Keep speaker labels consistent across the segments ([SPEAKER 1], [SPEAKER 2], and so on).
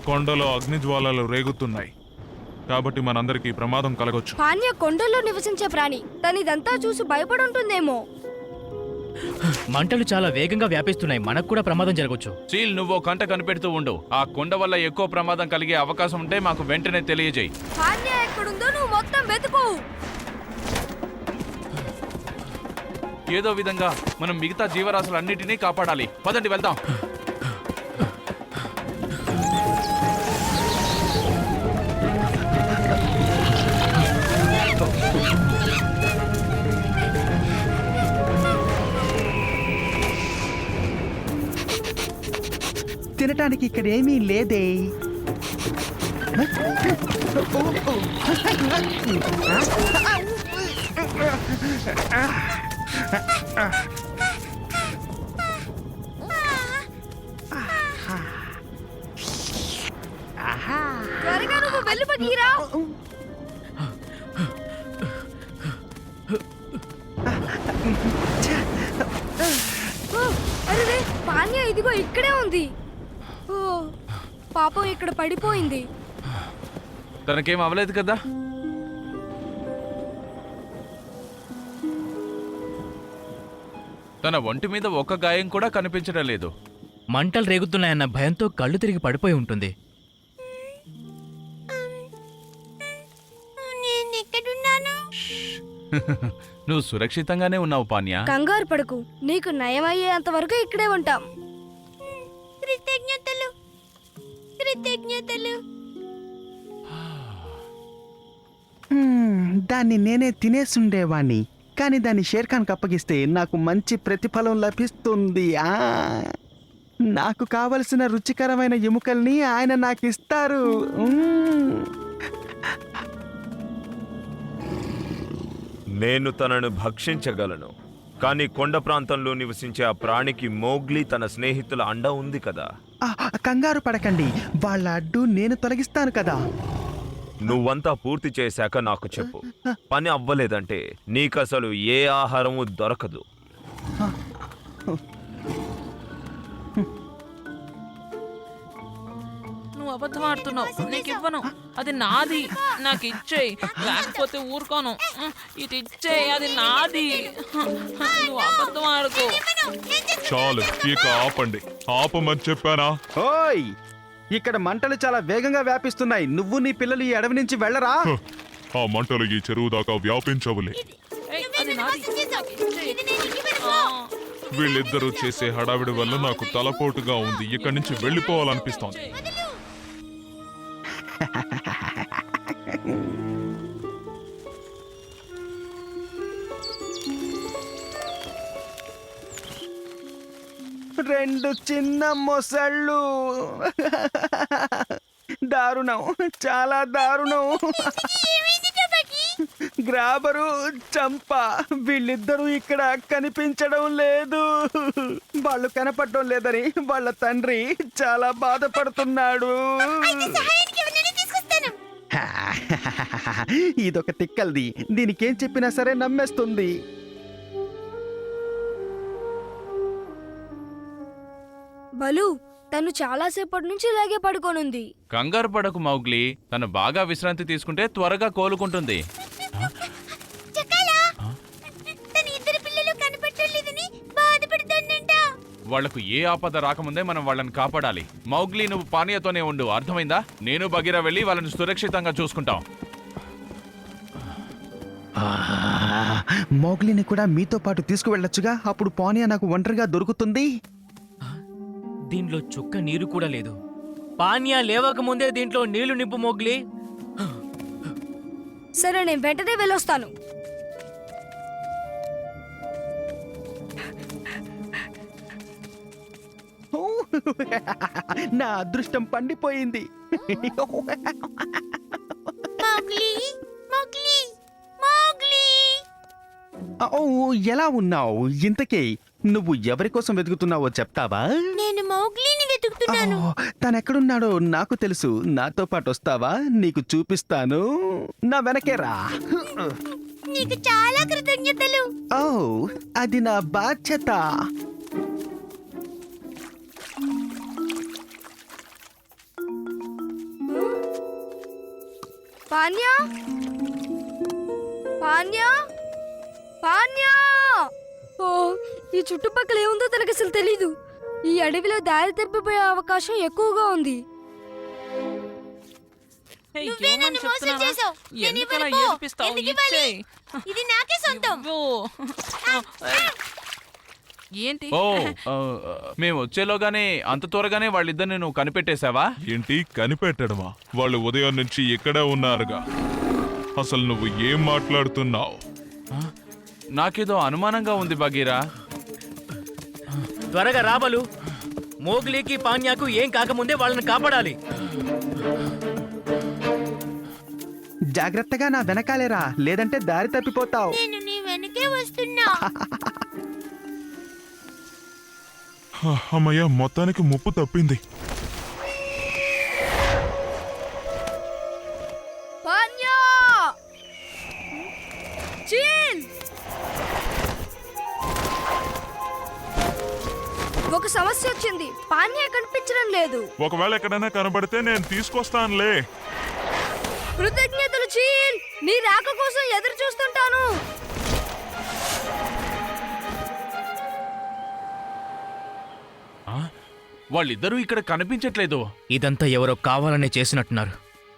[SPEAKER 1] కొండలో అగ్నిజ్వాలలు రేగుతున్నాయి, కాబట్టి మనందరికీ ప్రమాదం కలగొచ్చు.
[SPEAKER 2] పాన్య కొండల్లో నివసించే ప్రాణి, తనిదంతా చూసి భయపడి ఉంటుందేమో.
[SPEAKER 3] మంటలు చాలా వేగంగా వ్యాపిస్తున్నాయి, మనకు కూడా ప్రమాదం జరగవచ్చు.
[SPEAKER 4] చీల్, నువ్వు కంట కనిపెడుతూ ఉండు. ఆ కొండ వల్ల ఎక్కువ ప్రమాదం కలిగే అవకాశం ఉంటే మాకు వెంటనే తెలియజేయి.
[SPEAKER 2] పాన్య ఎక్కడుందో నువ్వు మొత్తం వెతుకు.
[SPEAKER 4] ఏదో విధంగా మనం మిగతా జీవరాశులన్నిటినీ కాపాడాలి. పదండి, వెళ్దాం.
[SPEAKER 5] తినటానికి ఇక్కడ ఏమీ లేదే.
[SPEAKER 2] త్వరగా నువ్వు వెళ్ళు బగీరా. అరే పాన్య ఇదిగో ఇక్కడే ఉంది. ఓ పాపం ఇక్కడ పడిపోయింది.
[SPEAKER 4] తనకేం అవ్వలేదు కదా? తన ఒంటి మీద ఒక్క గాయం కూడా కనిపించడం లేదు.
[SPEAKER 3] మంటలు రేగుతున్నాయన్న భయంతో కళ్ళు తిరిగి పడిపోయి ఉంటుంది.
[SPEAKER 4] నువ్వు సురక్షితంగానే ఉన్నావు పాన్య.
[SPEAKER 2] కంగారు పడకు, నీకు నయమయ్యేంత వరకు ఇక్కడే ఉంటాం.
[SPEAKER 6] కృతజ్ఞతలు కృతజ్ఞతలు.
[SPEAKER 5] దాన్ని నేనే తినేసుండేవాణ్ణి, కానీ దాన్ని షేర్ఖాన్కి అప్పగిస్తే నాకు మంచి ప్రతిఫలం లభిస్తుంది. నాకు కావలసిన రుచికరమైన ఎముకల్ని ఆయన నాకు ఇస్తారు.
[SPEAKER 7] నేను తనను భక్షించగలను, కానీ కొండ ప్రాంతంలో నివసించే ఆ ప్రాణికి మోగ్లీ తన స్నేహితుల అండ ఉంది కదా.
[SPEAKER 5] కంగారు పడకండి, వాళ్ళ అడ్డు నేను తొలగిస్తాను కదా.
[SPEAKER 7] నువ్వంతా పూర్తి చేశాక నాకు చెప్పు. పని అవ్వలేదంటే నీకసలు ఏ ఆహారము దొరకదు.
[SPEAKER 8] నువ్వు అబద్ధం ఆడుతున్నావు. నీకు ఇవ్వను, అది నాది. నాకు ఇచ్చేయి, లేకపోతే ఊరుకోను. ఇది ఇచ్చేయి, అది నాది. నువ్వు అబద్ధం ఆడుకో.
[SPEAKER 1] చాలు, ఇక ఆపండి. ఆపమని చెప్పానా?
[SPEAKER 5] ఓయ్, ఇక్కడ మంటలు చాలా వేగంగా వ్యాపిస్తున్నాయి. నువ్వు నీ పిల్లలు ఈ అడవి నుంచి వెళ్ళరా.
[SPEAKER 1] ఆ మంటలు ఈ చెరువు దాకా వ్యాపించవులే.
[SPEAKER 8] అది నాది.
[SPEAKER 1] వీళ్ళిద్దరూ చేసే హడావిడి వల్ల నాకు తలపోటుగా ఉంది. ఇక్కడి నుంచి వెళ్ళిపోవాలనిపిస్తోంది.
[SPEAKER 5] రెండు చిన్న మొసళ్ళు. దారుణం, చాలా దారుణం. గ్రాబరు, చంప, వీళ్ళిద్దరూ ఇక్కడ కనిపించడం లేదు. వాళ్ళు కనపడడం లేదని వాళ్ళ తండ్రి చాలా బాధపడుతున్నాడు. ఇదొక తిక్కల్ది, దీనికేం చెప్పినా సరే నమ్మేస్తుంది.
[SPEAKER 2] బలు, తను చాలాసేపటి నుంచి ఇలాగే పడుకోనుంది.
[SPEAKER 4] కంగారు పడకు మౌగ్లీ, తను బాగా విశ్రాంతి తీసుకుంటే త్వరగా కోలుకుంటుంది. వాళ్లకు ఏ ఆపద రాకముందే మనం వాళ్ళని కాపాడాలి. మౌగ్లీ, నువ్వు పానీయతోనే ఉండు, అర్థమైందా? నేను బగీరా వెళ్ళి వాళ్ళని సురక్షితంగా చూసుకుంటాం.
[SPEAKER 5] మోగ్లీని కూడా మీతో పాటు తీసుకువెళ్ళొచ్చుగా, అప్పుడు పానీయ నాకు ఒంటరిగా దొరుకుతుంది.
[SPEAKER 3] దీంట్లో చుక్క నీరు కూడా లేదు. పానీయ లేవక ముందే దీంట్లో నీళ్లు నింపు మోగ్లీ.
[SPEAKER 2] సరే, నేను వెంటనే వెళ్ళొస్తాను.
[SPEAKER 5] నా అదృష్టం పండిపోయింది. ఎలా ఉన్నావు? ఇంతకీ నువ్వు ఎవరి కోసం వెతుకుతున్నావో చెప్తావా?
[SPEAKER 6] నేను మౌగ్లీని వెతుకుతున్నాను.
[SPEAKER 5] తనెక్కడున్నాడో నాకు తెలుసు. నాతో పాటు వస్తావా? నీకు చూపిస్తాను. నా వెనకేరా.
[SPEAKER 6] నీకు చాలా కృతజ్ఞతలు.
[SPEAKER 5] ఓ, అది నా బాధ్యత.
[SPEAKER 2] పాన్యా పాన్యా పాన్యా ఓ ఈ చుట్టుపక్కల ఏముందో తనకు అసలు తెలీదు. ఈ అడవిలో దారి తప్పిపోయే అవకాశం ఎక్కువగా ఉంది.
[SPEAKER 8] ఏయ్,
[SPEAKER 6] నువ్వే
[SPEAKER 8] ఇవ్వమని
[SPEAKER 6] నన్ను మోసం
[SPEAKER 8] చెప్తున్నానా?
[SPEAKER 6] చేసావు. నేను
[SPEAKER 8] ఎందుకలా
[SPEAKER 6] ఇవ్వను, పో.
[SPEAKER 8] ఏడిపిస్తావు?
[SPEAKER 6] ఎందుకు ఇవ్వాలి?
[SPEAKER 8] ఇచ్చేయ్.
[SPEAKER 6] ఇది నాకే సొంతం.
[SPEAKER 8] ఇవ్వు. ఏంటి
[SPEAKER 4] ఓ మేము వచ్చేలోగానే అంత త్వరగానే వాళ్ళిద్దరిని నువ్వు కనిపెట్టేశావా?
[SPEAKER 1] ఏంటి కనిపెట్టడమా? వాళ్ళు ఉదయం నుంచి ఇక్కడే ఉన్నారుగా. అసలు నువ్వు ఏం మాట్లాడుతున్నావు?
[SPEAKER 4] నాకేదో అనుమానంగా ఉంది బగీరా.
[SPEAKER 3] త్వరగా రాబలు. మోగ్లీకి పాన్యాకు ఏం కాకముందే వాళ్ళని కాపాడాలి.
[SPEAKER 5] జాగ్రత్తగా నా వెనకాలేరా, లేదంటే దారి తప్పిపోతావు.
[SPEAKER 6] నేను నీ వెనకే వస్తున్నా.
[SPEAKER 1] అమ్మయ్య, మొత్తానికి ముప్పు తప్పింది.
[SPEAKER 2] పాన్యా చీల్ ఒక సమస్య వచ్చింది. పాన్యా కనిపించడం లేదు.
[SPEAKER 1] ఒకవేళ ఎక్కడైనా కనబడితే నేను తీసుకొస్తానులే.
[SPEAKER 2] కృతజ్ఞతలు చీల్. నీ రాక కోసం ఎదురు చూస్తుంటాను.
[SPEAKER 4] వాళ్ళిద్దరూ ఇక్కడ కనిపించట్లేదు.
[SPEAKER 3] ఇదంతా ఎవరో కావాలనే చేసినట్టున్నారు.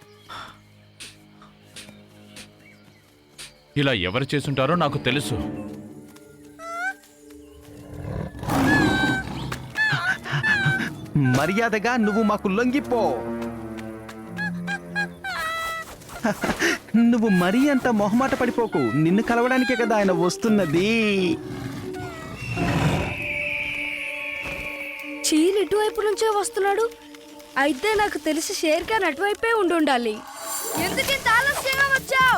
[SPEAKER 4] ఇలా ఎవరు చేసుంటారో నాకు తెలుసు.
[SPEAKER 5] మర్యాదగా నువ్వు మాకు లొంగిపో. నువ్వు మరీ అంత మొహమాట పడిపోకు. నిన్ను కలవడానికే కదా ఆయన వస్తున్నది.
[SPEAKER 2] చీల్ ఇటువైపు నుంచే వస్తున్నాడు. అయితే నాకు తెలిసి షేర్ ఖాన్ అటువైపే ఉండాలి. ఎందుకింత ఆలస్యంగా వచ్చావు?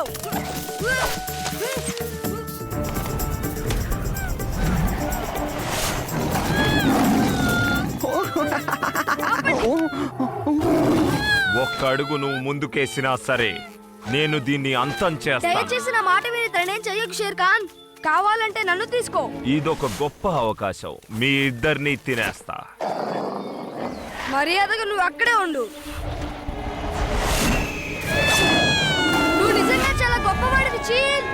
[SPEAKER 7] ఒక్క అడుగు నువ్వు ముందుకేసినా సరే నేను దీన్ని అంతం చేస్తాను.
[SPEAKER 2] దయచేసి నా మాట విని తనేం చెయ్యకు షేర్ ఖాన్. కావాలంటే నన్ను తీసుకో.
[SPEAKER 7] ఇదొక గొప్ప అవకాశం. మీ ఇద్దరిని తినేస్తా.
[SPEAKER 2] మర్యాదగా నువ్వు అక్కడే ఉండు. నువ్వు నిజంగా చాలా గొప్పవాడివి చీల్.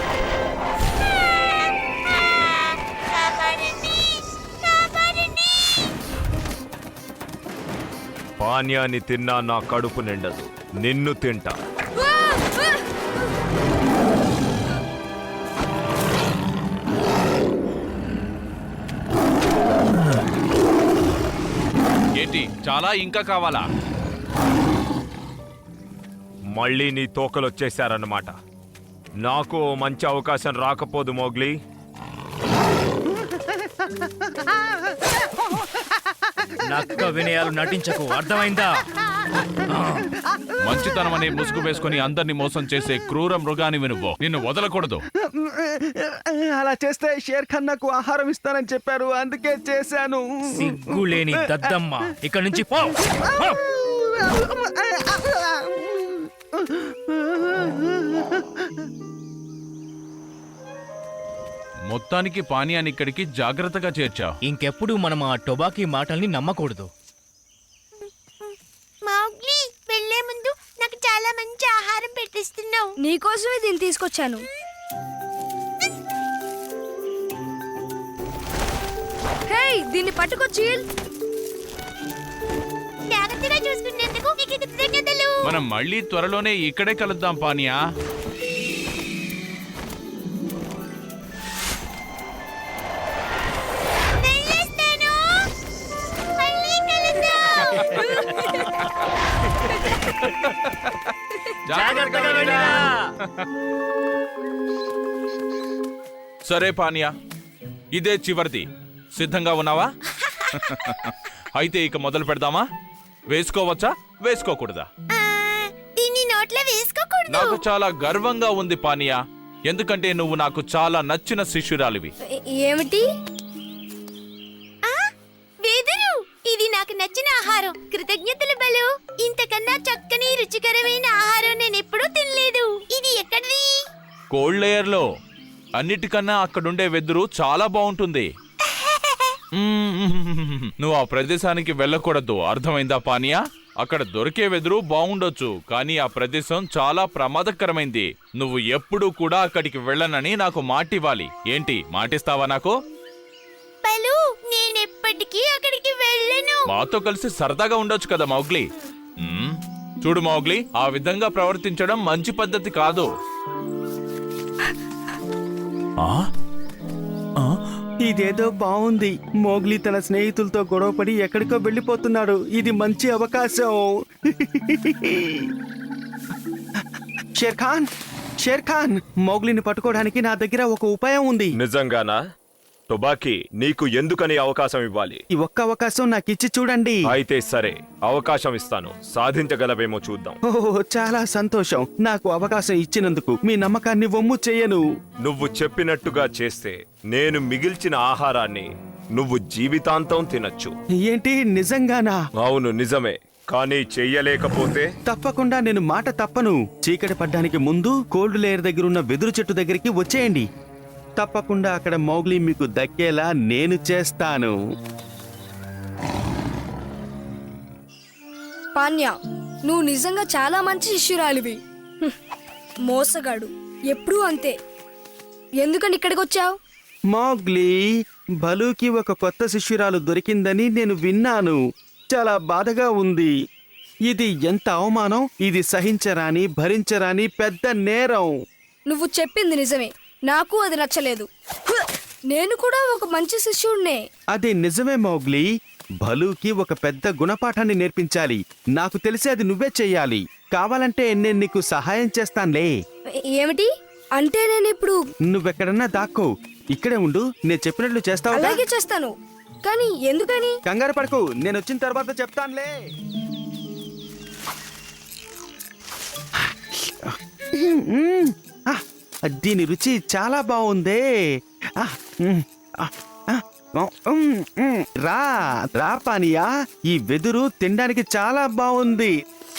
[SPEAKER 6] కాపాడండి, కాపాడండి.
[SPEAKER 7] పానీయాన్ని తిన్నా నా కడుపు నిండదు. నిన్ను తింటా.
[SPEAKER 4] ఏంటి చాలా ఇంకా కావాలా?
[SPEAKER 7] మళ్ళీ నీ తోకలొచ్చేశారన్నమాట. నాకు ఓ మంచి అవకాశం రాకపోదు మోగ్లీ.
[SPEAKER 3] నక్క వినయాలు నటించకు, అర్థమైందా?
[SPEAKER 4] మంచితనం అనే ముసుగు వేసుకుని అందరినీ మోసం చేసే క్రూర మృగానివి నువ్వు. నిన్ను వదలకూడదు.
[SPEAKER 5] అలా చేస్తే షేర్ ఖాన్ నాకు ఆహారం ఇస్తానని చెప్పారు, అందుకే చేశాను.
[SPEAKER 3] సిగ్గులేని దద్దమ్మ, ఇక్కడి నుంచి పో. పో.
[SPEAKER 4] మొత్తానికి పానీయాన్ని ఇక్కడికి జాగ్రత్తగా చేర్చావు.
[SPEAKER 3] ఇంకెప్పుడు మనం ఆ టొబాకీ మాటల్ని నమ్మకూడదు.
[SPEAKER 6] మౌగ్లీ, వెళ్ళే ముందు నాకు చాలా మంచి ఆహారం పెట్టిస్తున్నావు.
[SPEAKER 2] నీకోసమే దీన్ని తీసుకొచ్చాను. హే, దీన్ని పట్టుకో చీల్.
[SPEAKER 6] జాగ్రత్తగా చూసుకున్నందుకు నీకు కృతజ్ఞతలు.
[SPEAKER 4] మనం మళ్ళీ త్వరలోనే ఇక్కడే కలుద్దాం పానీయా.
[SPEAKER 6] వెళ్ళొస్తాను. మళ్ళీ కలుద్దాం.
[SPEAKER 3] జాగ్రత్తగా వెళ్ళిరా.
[SPEAKER 4] సరే పానీయా, ఇదే చివరిది. సిద్ధంగా ఉన్నావా? అయితే ఇక మొదలు పెడదామా? వేసుకోవచ్చా, వేసుకోకూడదా?
[SPEAKER 6] దీన్ని నోట్లో వేసుకోకూడదు.
[SPEAKER 4] నాకు చాలా గర్వంగా ఉంది పానీయా, ఎందుకంటే నువ్వు నాకు చాలా నచ్చిన శిష్యురాలివి.
[SPEAKER 2] ఏమిటి?
[SPEAKER 6] వెదురు, ఇది నాకు నచ్చిన ఆహారం. కృతజ్ఞతలు బలు. ఇంతకన్నా చక్కని రుచికరమైన ఆహారం నేను ఎప్పుడూ తినలేదు. ఇది ఎక్కడిది?
[SPEAKER 4] కోల్డ్ లేయర్ లో అన్నిటికన్నా అక్కడుండే వెదురు చాలా బాగుంటుంది. నువ్వు ఆ ప్రదేశానికి వెళ్ళకూడదు, అర్థమైందా పానీయా? అక్కడ దొరికే వెదురు బాగుండొచ్చు, కానీ ఆ ప్రదేశం చాలా ప్రమాదకరమైంది. నువ్వు ఎప్పుడూ కూడా అక్కడికి వెళ్ళనని నాకు మాటివ్వాలి. ఏంటి, మాటిస్తావా నాకు?
[SPEAKER 6] బలు, నేనెప్పటికీ అక్కడికి వెళ్ళను.
[SPEAKER 4] మాతో కలిసి సరదాగా ఉండొచ్చు కదా మౌగ్లీ. చూడు మౌగ్లీ, ఆ విధంగా ప్రవర్తించడం మంచి పద్ధతి కాదు.
[SPEAKER 5] ఇదేదో బాగుంది. మోగ్లీ తన స్నేహితులతో గొడవపడి ఎక్కడికో వెళ్ళిపోతున్నాడు. ఇది మంచి అవకాశం. షేర్ ఖాన్, మోగ్లీని పట్టుకోవడానికి నా దగ్గర ఒక ఉపాయం ఉంది.
[SPEAKER 7] నిజంగానా? టుబాకీ, నీకు ఎందుకని అవకాశం ఇవ్వాలి?
[SPEAKER 5] ఈ ఒక్క అవకాశం నాకు ఇచ్చి చూడండి.
[SPEAKER 7] అయితే సరే, అవకాశం ఇస్తాను. సాధించగలవేమో చూద్దాం.
[SPEAKER 5] ఓ, చాలా సంతోషం. నాకు అవకాశం ఇచ్చినందుకు. మీ నమ్మకాన్ని వమ్ము చేయను.
[SPEAKER 7] నువ్వు చెప్పినట్టుగా చేస్తే నేను మిగిల్చిన ఆహారాన్ని నువ్వు జీవితాంతం తినొచ్చు.
[SPEAKER 5] ఏంటి, నిజంగానా?
[SPEAKER 7] అవును, నిజమే. కానీ చెయ్యలేకపోతే?
[SPEAKER 5] తప్పకుండా నేను మాట తప్పను. చీకటి పడ్డానికి ముందు కోల్డ్ లేయర్ దగ్గర ఉన్న వెదురు చెట్టు దగ్గరికి వచ్చేయండి. తప్పకుండా అక్కడ మౌగ్లీ మీకు దక్కేలా నేను చేస్తాను.
[SPEAKER 2] పాన్యా, నువ్వు నిజంగా చాలా మంచి శిష్యురాలివి. మోసగాడు ఎప్పుడూ అంతే. ఎందుకని ఇక్కడికి వచ్చావు?
[SPEAKER 5] మౌగ్లీ, బలూకి ఒక కొత్త శిష్యురాలు దొరికిందని నేను విన్నాను. చాలా బాధగా ఉంది. ఇది ఎంత అవమానం! ఇది సహించరాని, భరించరాని పెద్ద నేరం.
[SPEAKER 2] నువ్వు చెప్పింది నిజమే. నాకు అది నచ్చలేదు. నేను కూడా ఒక మంచి శిష్యుడినే.
[SPEAKER 5] అది నిజమే మౌగ్లీ. బలూకి ఒక పెద్ద గుణపాఠాన్ని నేర్పించాలి. నాకు తెలిసి అది నువ్వే చెయ్యాలి. కావాలంటే నేను నీకు సహాయం చేస్తానులే.
[SPEAKER 2] ఏమిటి అంటే? నేను ఇప్పుడు
[SPEAKER 5] నువ్వెక్కడన్నా దాక్కో. ఇక్కడే ఉండు. నేను చెప్పినట్లు చేస్తావు.
[SPEAKER 2] అలాగే చేస్తాను. కానీ ఎందుకని?
[SPEAKER 5] కంగారు పడకు, నేను వచ్చిన తర్వాత చెప్తానులే. దీని రుచి చాలా బాగుందే. రా రా పానీయా, ఈ వెదురు తినడానికి చాలా బాగుంది.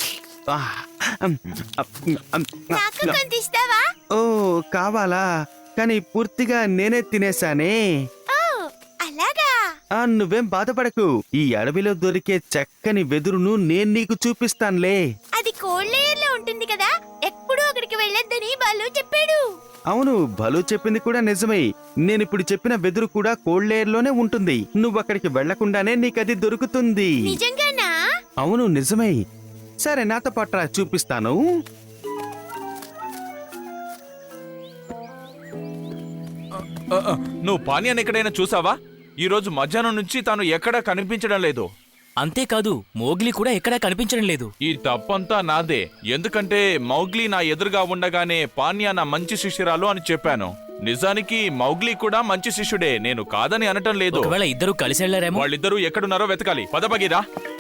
[SPEAKER 6] నాకు కొంత ఇస్తావా?
[SPEAKER 5] ఓ, కావాలా? కానీ పూర్తిగా నేనే తినేశానే.
[SPEAKER 6] ఓ, అలాగా?
[SPEAKER 5] నువ్వేం బాధపడకు. ఈ అడవిలో దొరికే చక్కని వెదురును నేను నీకు చూపిస్తానులే.
[SPEAKER 6] అది కోల్డ్ లేయర్ లో ఉంటుంది కదా, ఎప్పుడూ అక్కడికి వెళ్ళొద్దని బాలు చెప్పాడు.
[SPEAKER 5] అవును, బలు చెప్పింది కూడా నిజమే. నేనిప్పుడు చెప్పిన వెదురు కూడా కోల్డ్ లేయర్ లోనే ఉంటుంది. నువ్వు అక్కడికి వెళ్లకుండానే నీకది దొరుకుతుంది.
[SPEAKER 6] నిజంగానా?
[SPEAKER 5] అవును, నిజమే. సరే, నాతో పట్రా, చూపిస్తాను.
[SPEAKER 4] నువ్వు పానీయాన్ని ఎక్కడైనా చూసావా? ఈ రోజు మధ్యాహ్నం నుంచి తాను ఎక్కడా కనిపించడం లేదు.
[SPEAKER 3] అంతేకాదు, మోగ్లీ కూడా ఎక్కడా కనిపించడం లేదు.
[SPEAKER 4] ఈ తప్పంతా నాదే. ఎందుకంటే మౌగ్లీ నా ఎదురుగా ఉండగానే పాన్యా నా మంచి శిష్యురాలు అని చెప్పాను. నిజానికి మౌగ్లీ కూడా మంచి శిష్యుడే, నేను కాదని అనటం లేదు.
[SPEAKER 3] ఒకవేళ ఇద్దరు కలిసి వెళ్లారేమో.
[SPEAKER 4] వాళ్ళిద్దరూ ఎక్కడున్నారో వెతకాలి. పద బగీరా.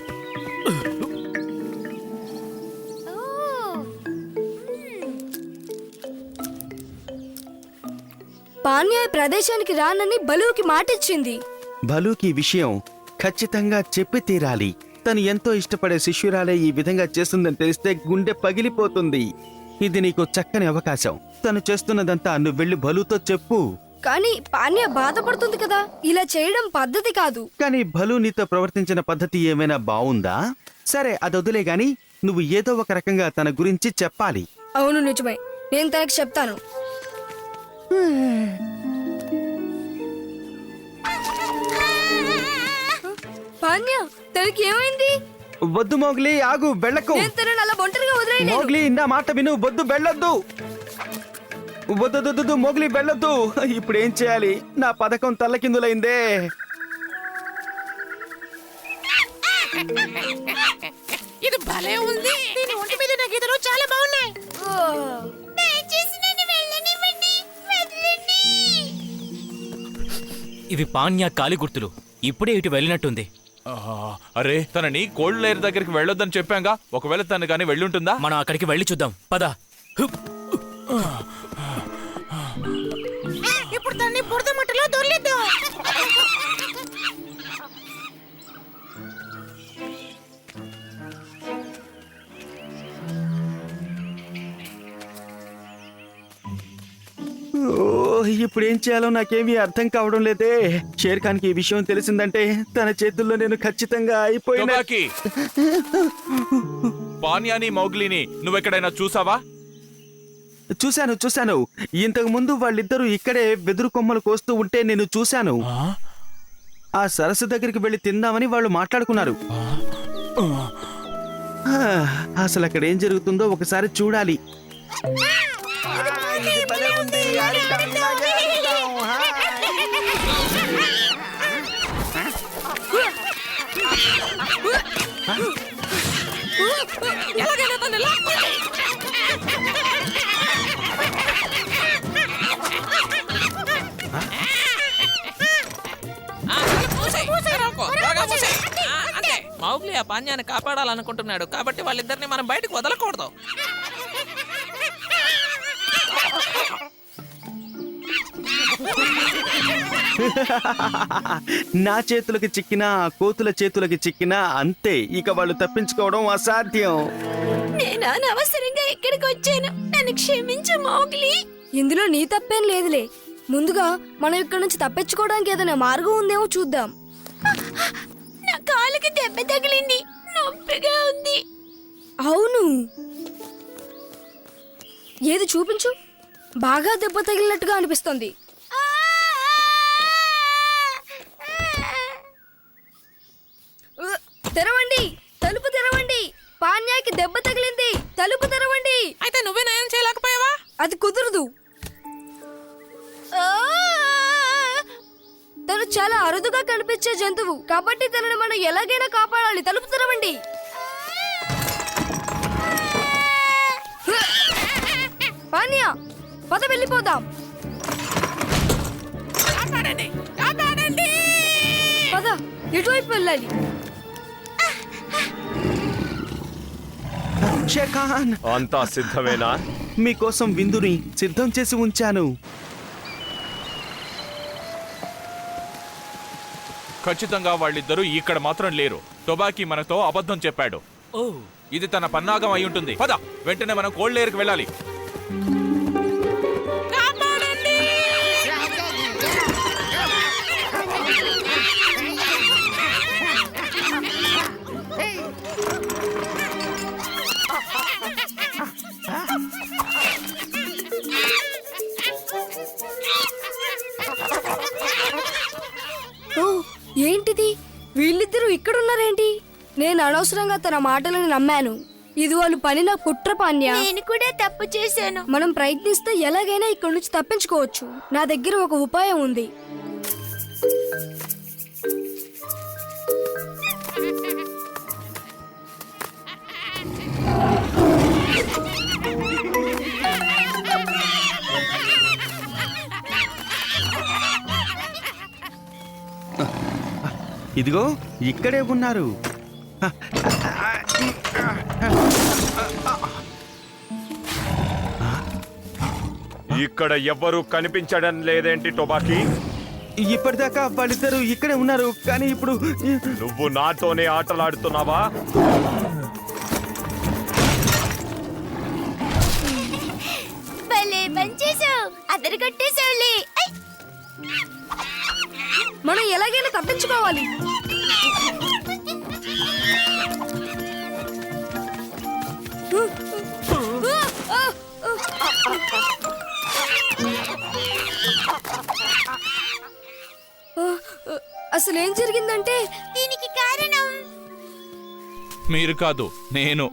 [SPEAKER 2] పాన్యా ఈ ప్రదేశానికి రానని బలువుకి మాటిచ్చింది.
[SPEAKER 5] బలుకి ఈ విషయం ఖచ్చితంగా చెప్పి తీరాలి. తను ఎంతో ఇష్టపడే శిష్యురాలే ఈ విధంగా చేస్తుందని తెలిస్తే గుండె పగిలిపోతుంది. ఇది నీకు చక్కని అవకాశం. తను చేస్తున్నదంతా నువ్వు వెళ్ళి బలుతో చెప్పు.
[SPEAKER 2] కానీ పాన్యా బాధపడుతుంది కదా. ఇలా చేయడం పద్ధతి కాదు.
[SPEAKER 5] కానీ బలు నీతో ప్రవర్తించిన పద్ధతి ఏమైనా బావుందా? సరే, అది వదిలే గాని నువ్వు ఏదో ఒక రకంగా తన గురించి చెప్పాలి.
[SPEAKER 2] అవును, నిజమే. నేను తనకి చెప్తాను. పాన్యా, తనకి ఏమైంది?
[SPEAKER 5] వద్దు మోగ్లీ, ఆగు, వెళ్ళకు.
[SPEAKER 2] నేను తనని అలా ఒంటరిగా వదిలేయలేను.
[SPEAKER 5] మోగ్లీ, నా మాట విను. వద్దు, వెళ్ళొద్దు. వద్దు మోగ్లీ, వెళ్ళొద్దు. ఇప్పుడు ఏం చేయాలి? నా పథకం తల్లకిందులైందే.
[SPEAKER 8] ఇది భలే ఉంది. దీని ఒంటి మీద నా గీతలు చాలా బాగున్నాయి.
[SPEAKER 6] దయచేసి నన్ను వెళ్ళనివ్వండి, వదలండి.
[SPEAKER 3] ఇవి పాన్యా కాలి గుర్తులు. ఇప్పుడే ఇటు వెళ్ళినట్టుంది.
[SPEAKER 4] అరే, తనని కోల్డ్ లేయర్ దగ్గరికి వెళ్ళొద్దని చెప్పాంగా. ఒకవేళ తను కానీ వెళ్ళుంటుందా?
[SPEAKER 3] మనం అక్కడికి వెళ్ళి చూద్దాం, పద.
[SPEAKER 8] ఇప్పుడు దాన్ని బురద మట్టలో దొర్లిద్దాం.
[SPEAKER 5] ఓ, ఇప్పుడు ఏం చేయాలో నాకేమీ అర్థం కావడం లేదే. షేర్ ఖాన్ కి ఈ విషయం తెలిసిందంటే తన చేతుల్లో నేను ఖచ్చితంగా అయిపోయిన.
[SPEAKER 4] టొబాకీ, పాన్యాని మౌగ్లీని నువ్వెక్కడైనా చూసావా?
[SPEAKER 5] చూశాను. ఇంతకు ముందు వాళ్ళిద్దరూ ఇక్కడే వెదురు కొమ్మలు కోస్తూ ఉంటే నేను చూశాను. ఆ సరస్సు దగ్గరికి వెళ్లి తిందామని వాళ్ళు మాట్లాడుకున్నారు. అసలు అక్కడ ఏం జరుగుతుందో ఒకసారి చూడాలి.
[SPEAKER 8] ఎలాగైనా తన్ని లాక్కోండి. అంతే, మౌగ్లీ ఆ పాన్యాన్ని కాపాడాలనుకుంటున్నాడు కాబట్టి వాళ్ళిద్దరిని మనం బయటకు వదలకూడదు.
[SPEAKER 5] నా చేతులకి చిక్కినా కోతుల చేతులకి చిక్కినా అంతే. ఇక వాళ్ళు తప్పించుకోవడం అసాధ్యం.
[SPEAKER 6] నేను అనవసరంగా ఇక్కడికి వచ్చాను. నన్ను క్షమించు మౌగ్లీ.
[SPEAKER 2] ఇందులో నీ తప్పేం లేదులే. ముందుగా మనం ఇక్కడ నుంచి తప్పించుకోవడానికి ఏదైనా మార్గం ఉందేమో చూద్దాం.
[SPEAKER 6] నా కాలుకి దెబ్బ తగిలింది, నొప్పిగా ఉంది.
[SPEAKER 2] అవును, ఏది చూపించు. బాగా దెబ్బ తగిలినట్టుగా అనిపిస్తుంది. తెరవండి, తలుపు తెరవండి. పాన్యాకి దెబ్బ తగిలింది, తలుపు తెరవండి.
[SPEAKER 8] అయితే నువ్వే నయం చేయలేకపోయావా?
[SPEAKER 2] అది కుదరదు. తను చాలా అరుదుగా కనిపించే జంతువు కాబట్టి తనని మనం ఎలాగైనా కాపాడాలి. తలుపు తెరవండి. పాన్యా, పద వెళ్ళిపోదాం. పద, ఎటువైపు వెళ్ళాలి?
[SPEAKER 5] షేర్ ఖాన్,
[SPEAKER 7] అంతా సిద్ధమేనా?
[SPEAKER 5] మీకోసం విందుని సిద్ధం చేసి ఉంచాను.
[SPEAKER 4] ఖచ్చితంగా వాళ్ళిద్దరూ ఇక్కడ మాత్రం లేరు. టొబాకీ మనతో అబద్ధం చెప్పాడు. ఇది తన పన్నాగం అయి ఉంటుంది. పద, వెంటనే మనం కోల్డ్ వెళ్ళాలి.
[SPEAKER 2] ఓ, ఏంటిది? వీళ్ళిద్దరూ ఇక్కడున్నారేంటి? నేను అనవసరంగా తన మాటలను నమ్మాను. ఇది వాళ్ళు పనిన కుట్ర పాన్యా.
[SPEAKER 6] నేను కూడా తప్పు చేశాను.
[SPEAKER 2] మనం ప్రయత్నిస్తే ఎలాగైనా ఇక్కడి నుంచి తప్పించుకోవచ్చు. నా దగ్గర ఒక ఉపాయం ఉంది.
[SPEAKER 5] ఇదిగో ఇక్కడే ఉన్నారు.
[SPEAKER 7] ఇక్కడ ఎవ్వరూ కనిపించడం లేదేంటి టొబాకీ?
[SPEAKER 5] ఇప్పటిదాకా వాళ్ళిద్దరూ ఇక్కడే ఉన్నారు, కానీ ఇప్పుడు
[SPEAKER 7] నువ్వు నాతోనే ఆటలాడుతున్నావా?
[SPEAKER 6] భలే పనిచేసావు, అదరగొట్టేసావులే.
[SPEAKER 2] మనం ఎలాగైనా తప్పించుకోవాలి. అసలు ఏం జరిగిందంటే
[SPEAKER 6] దీనికి కారణం
[SPEAKER 4] మీరు కాదు, నేను.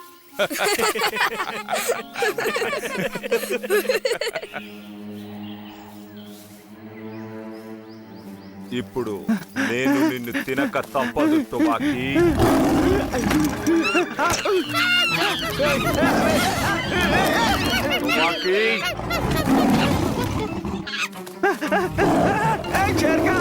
[SPEAKER 7] ఇప్పుడు నేను నిన్ను తినక తప్పదు టొబాకీ. టొబాకీ,
[SPEAKER 5] షేర్ ఖాన్